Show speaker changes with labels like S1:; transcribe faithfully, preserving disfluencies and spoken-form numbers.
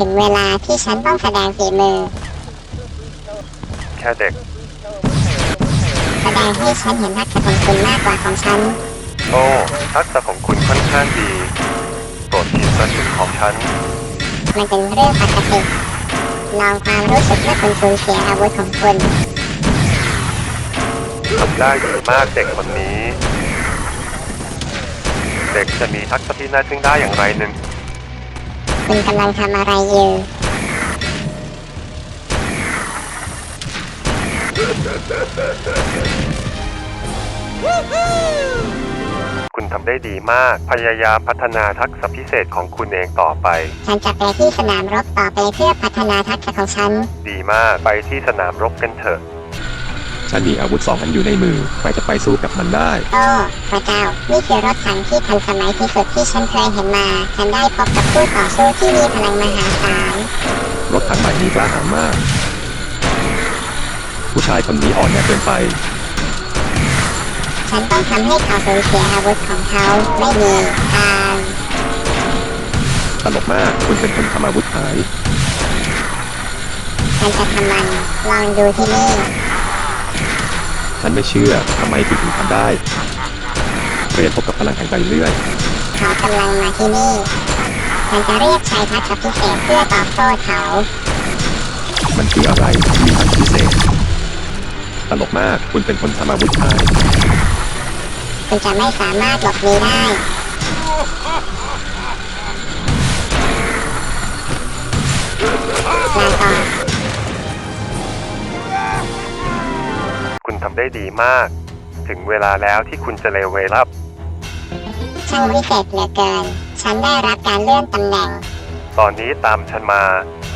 S1: ถึงเวลาที่ฉันต้องแสดงฝีมือ
S2: แค่เด็ก
S1: แสดงให้ฉันเห็นทักษะของคุณมากกว่าของฉัน
S2: โอ้ทักษะของคุณค่อนข้างดีโปรดชิมกระสุนของฉัน
S1: มันเป็นเรื่องปกติลองความรู้สึกเมื่อคุณสูญเสียอาวุธของคุณ
S2: ทำได้ดีมากเด็กคนนี้เด็กจะมีทักษะที่น่าทึ่งได้อย่างไรหนึ่ง
S1: คุณกำลังทำอะไรอยู่
S2: คุณทำได้ดีมากพยายามพัฒนาทักษะพิเศษของคุณเองต่อไป
S1: ฉันจะไปที่สนามรบต่อไปเพื่อพัฒนาทักษะของฉัน
S2: ดีมากไปที่สนามรบกันเถอะ
S3: ฉันมีอาวุธสองอันอยู่ในมือใครจะไปสู้กับมันได้
S1: โอ้พระเจ้านี่คือรถถังที่ทันสมัยที่สุดที่ฉันเคยเห็นมาฉันได้พบกับผู้ต่อสู้ที่มีพลังมหาศาล
S3: รถถังใหม่นี้กล้าหาญมากผู้ชายคนนี้อ่อนแอเกินไป
S1: ฉันต้องทำให้เขาสูญเสียอาวุธของเขาไม่มีทาง
S3: ตลกมากคุณเป็นคนทำอาวุธหาย
S1: ฉันจะทำมันลองดูที่นี่
S3: ฉันไม่เชื่อทำไมถึงทำได้เรียนพบกับพลังแห่งใจเรื่อย
S1: เขากำลังมาที่นี่ฉันจะเรียกใช้ทักษะพิเศษเพื่อตอบโต้เขา
S3: มันคืออะไรมีทักษะพิเศษตลกมากคุณเป็นคนทำอาวุธหาย
S1: คุณจะไม่สามารถหลบหนีได้ลาก่อน
S2: คุณทำได้ดีมากถึงเวลาแล้วที่คุณจะเลเวลอัพ
S1: ช่างวิเศษเหลือเกินฉันได้รับการเลื่อนตำแหน่ง
S2: ตอนนี้ตามฉันมา